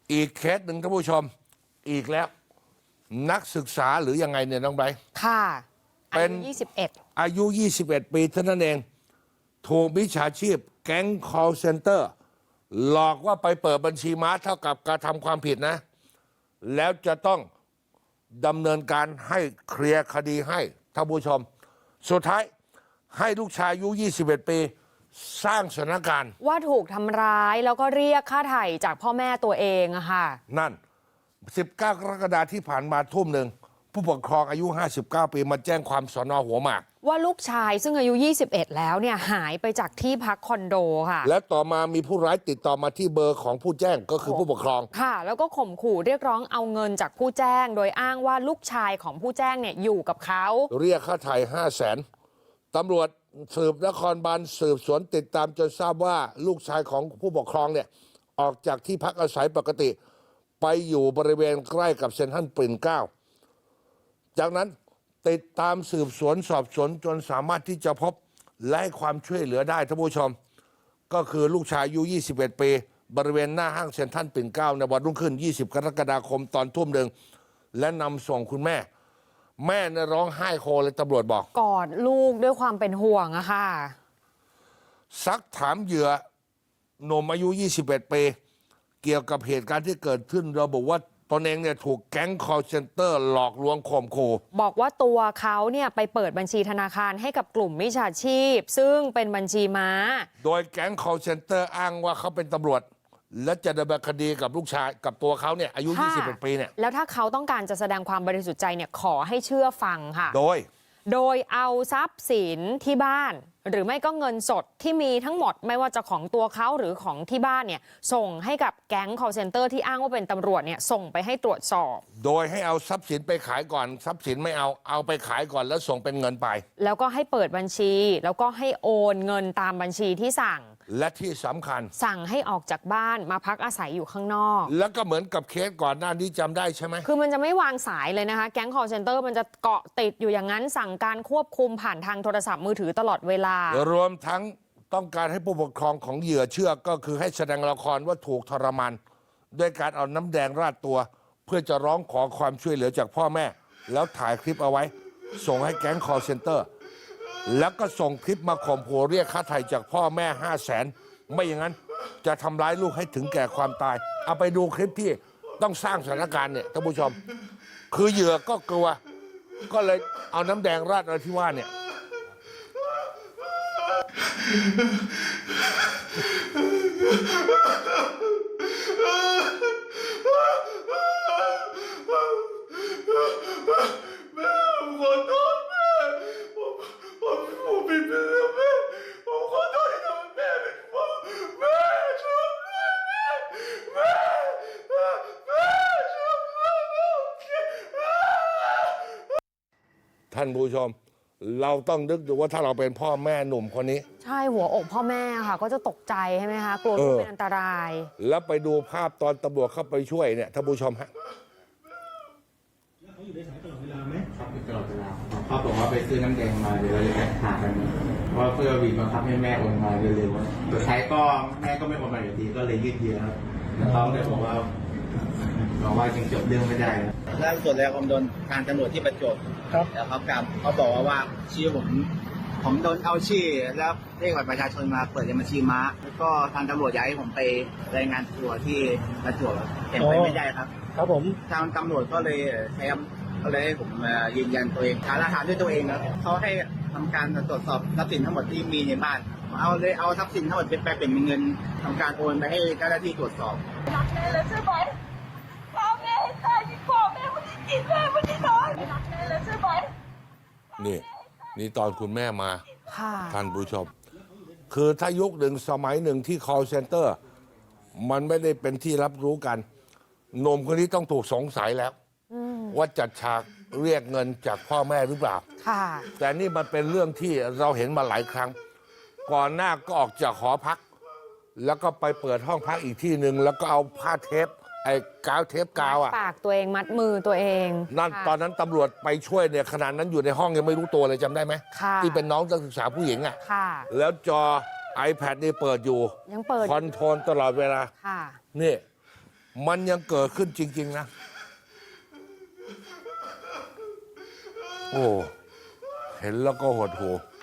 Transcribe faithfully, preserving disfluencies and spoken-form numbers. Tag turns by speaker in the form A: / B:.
A: อีกเคสหนึ่งท่านผู้ชมอีกแล้วนักศึกษาหรือยังไงเนี่ยน้องไบร์ท
B: ค่ะ
A: เป็น
B: ยี่สิบเอ็ด
A: อายุยี่สิบเอ็ดปีเท่านั้นเองถูกมิจฉาชีพแก๊ง call center หลอกว่าไปเปิดบัญชีม้าเท่ากับการทำความผิดนะแล้วจะต้องดำเนินการให้เคลียร์คดีให้ท่านผู้ชมสุดท้ายให้ลูกชายอายุยี่สิบเอ็ดปีสร้างสถานการณ์
B: ว่าถูกทำร้ายแล้วก็เรียกค่าไถ่จากพ่อแม่ตัวเองอะค่ะ
A: นั่นสิบเก้ากรกฎาคมที่ผ่านมาทุ่มหนึ่งผู้ปกครองอายุห้าสิบเก้าปีมาแจ้งความสน.หัวหมาก
B: ว่าลูกชายซึ่งอายุยี่สิบเอ็ดแล้วเนี่ยหายไปจากที่พักคอนโดค่ะ
A: และต่อมามีผู้ร้ายติดต่อมาที่เบอร์ของผู้แจ้งก็คือผู้ปกครอง
B: ค่ะแล้วก็ข่มขู่เรียกร้องเอาเงินจากผู้แจ้งโดยอ้างว่าลูกชายของผู้แจ้งเนี่ยอยู่กับเขา
A: เรียกค่าไถ่ห้าแสนตำรวจสืบนครบาลสืบสวนติดตามจนทราบว่าลูกชายของผู้ปกครองเนี่ยออกจากที่พักอาศัยปกติไปอยู่บริเวณใกล้กับเซ็นทรัลปิ่นเกล้าจากนั้นติดตามสืบสวนสอบสวนจนสามารถที่จะพบและให้ความช่วยเหลือได้ท่านผู้ชมก็คือลูกชายอายุยี่สิบเอ็ดปีบริเวณหน้าห้างเซ็นทรัลปิ่นเกล้าในวันรุ่งขึ้นยี่สิบกรกฎาคมตอนทุ่มหนึ่งและนำส่งคุณแม่แม่เนี่ยร้องไห้โฮเลยตำรวจบอก
B: กอดลูกด้วยความเป็นห่วงอะค่ะ
A: ซักถามเหยื่อหนุ่มอายุยี่สิบเอ็ดปีเกี่ยวกับเหตุการณ์ที่เกิดขึ้นระบุว่าตนเองเนี่ยถูกแก๊ง call center หลอกลวงข่มขู่
B: บอกว่าตัวเขาเนี่ยไปเปิดบัญชีธนาคารให้กับกลุ่มมิจฉาชีพซึ่งเป็นบัญชีม้า
A: โดยแก๊ง call center อ้างว่าเขาเป็นตำรวจและจะดำเนินคดีกับลูกชายกับตัวเขาเนี่ยอายุยี่สิบเอ็ดปีเนี่ย
B: แล้วถ้าเขาต้องการจะแสดงความบริสุทธิ์ใจเนี่ยขอให้เชื่อฟังค่ะ
A: โดย
B: โดยเอาทรัพย์สินที่บ้านหรือไม่ก็เงินสดที่มีทั้งหมดไม่ว่าจะของตัวเขาหรือของที่บ้านเนี่ยส่งให้กับแก๊ง call center ที่อ้างว่าเป็นตำรวจเนี่ยส่งไปให้ตรวจสอบ
A: โดยให้เอาทรัพย์สินไปขายก่อนทรัพย์สินไม่เอาเอาไปขายก่อนแล้วส่งเป็นเงินไป
B: แล้วก็ให้เปิดบัญชีแล้วก็ให้โอนเงินตามบัญชีที่สั่ง
A: และที่สำคัญ
B: สั่งให้ออกจากบ้านมาพักอาศัยอยู่ข้างนอก
A: แล้วก็เหมือนกับเคสก่อนหน้านี้จำได้ใช่ไหม
B: คือมันจะไม่วางสายเลยนะคะแก๊ง call center มันจะเกาะติดอยู่อย่างนั้นสั่งการควบคุมผ่านทางโทรศัพท์มือถือตลอดเวลาร
A: วมทั้งต้องการให้ผู้ปกครองของเหยื่อเชื่อก็คือให้แสดงละครว่าถูกทรมานด้วยการเอาน้ำแดงราดตัวเพื่อจะร้องขอความช่วยเหลือจากพ่อแม่แล้วถ่ายคลิปเอาไว้ส่งให้แก๊ง call center แล้วก็ส่งคลิปมาข่มขู่เรียกค่าไถ่จากพ่อแม่ห้าแสนไม่อย่างนั้นจะทำร้ายลูกให้ถึงแก่ความตายเอาไปดูคลิปที่ต้องสร้างสถานการณ์เนี่ยท่านผู้ชมคือเหยื่อก็กลัวก็เลยเอาน้ำแดงราดอะไรที่ว่าเนี่ย
C: แม่ผมขอโทษแม่ผมผมผมผิดไปแล้วแม่ผมขอโทษที่ทำให้แม่เป็นห่วงแม่ช่วยด้วยแม่แม่แม่แม่ช่วยด้วยแม่
A: ท่านผู้ชมเราต้องนึกดูว่าถ้าเราเป็นพ่อแม่หนุ่มคนนี้
B: ใช่หัวอกพ่อแม่ค่ะก็จะตกใจใช่ไหมคะกลัวลูกเป็นอันตราย
A: แล้วไปดูภาพตอนตำรวจเข้าไปช่วยเนี่ยท่านผู้ชมฮะ
D: เขาอยู่ในสายตลอดเวลาไหมครับตลอดเวลาเขาบอกว่าไปซื้อน้ำแดงมาเดี๋ยวเราจะแข่งขากันว่าเพื่อบีบบังคับให้แม่โอนมาเร็วๆสุดท้ายก็แม่ก็ไม่โอนมาอยู่ดีก็เลยยืดเยื้อครับแล้วเขาเลยบอกว่าบอกว่าจริงจบเรื่องไม่ได้
E: ล่าสุดแล้วผมโดนทางตำรวจที่ประจวบครับแล้วเขากลับเขาบอกว่าว่าชื่อผมผมโดนเอาชื่อแล้วเลขบัตรประชาชนมาเปิดบัญชีม้าแล้วก็ทางตำรวจอยากให้ผมไปรายงานตัวที่ประจวบเห็นไปไม่ได้ครับ
D: ครับผม
E: ทางตำรวจก็เลยใช้ก็เลยให้ผมยืนยันตัวเองหาหลักฐานด้วยตัวเองครับเขาให้ทำการตรวจสอบทรัพย์สินทั้งหมดที่มีในบ้านเอาเลยเอาทรัพย์สินทั้งหมดไปเป็นเงินทำการโอนไปให้เจ้าหน้าที่ตรวจสอบ
F: รักแม่เลยใช่ไหมพ่อแม่ให้ตายที่พ่อแม่ไม่ได้กินแม่ไม่ได้นอนรักแม่เลยใช่ไหม
A: นี่นี่ตอนคุณแม่มาท่านผู้ชมคือถ้ายุคหนึ่งสมัยหนึ่งที่ call center มันไม่ได้เป็นที่รับรู้กันหนุ่มคนนี้ต้องถูกสงสัยแล้วว่าจัดฉากเรียกเงินจากพ่อแม่หรือเปล่าแต่นี่มันเป็นเรื่องที่เราเห็นมาหลายครั้งก่อนหน้าก็ออกจากหอพักแล้วก็ไปเปิดห้องพักอีกที่หนึ่งแล้วก็เอาผ้าเทปไอ้กาวเทปกาวอ่ะ
B: ปากตัวเองมัดมือตัวเอง
A: นั่นตอนนั้นตำรวจไปช่วยเนี่ยขนาดนั้นอยู่ในห้องยังไม่รู้ตัวเลยจำได้ไหมที่เป็นน้องนักศึกษาผู้หญิงอ่ะแล้วจอ iPad นี่เปิดอยู่
B: ยังเปิด
A: คอนโทรลตลอดเวลานี่มันยังเกิดขึ้นจริง ๆ นะ โอ้ เห็นแล้วก็หดหู่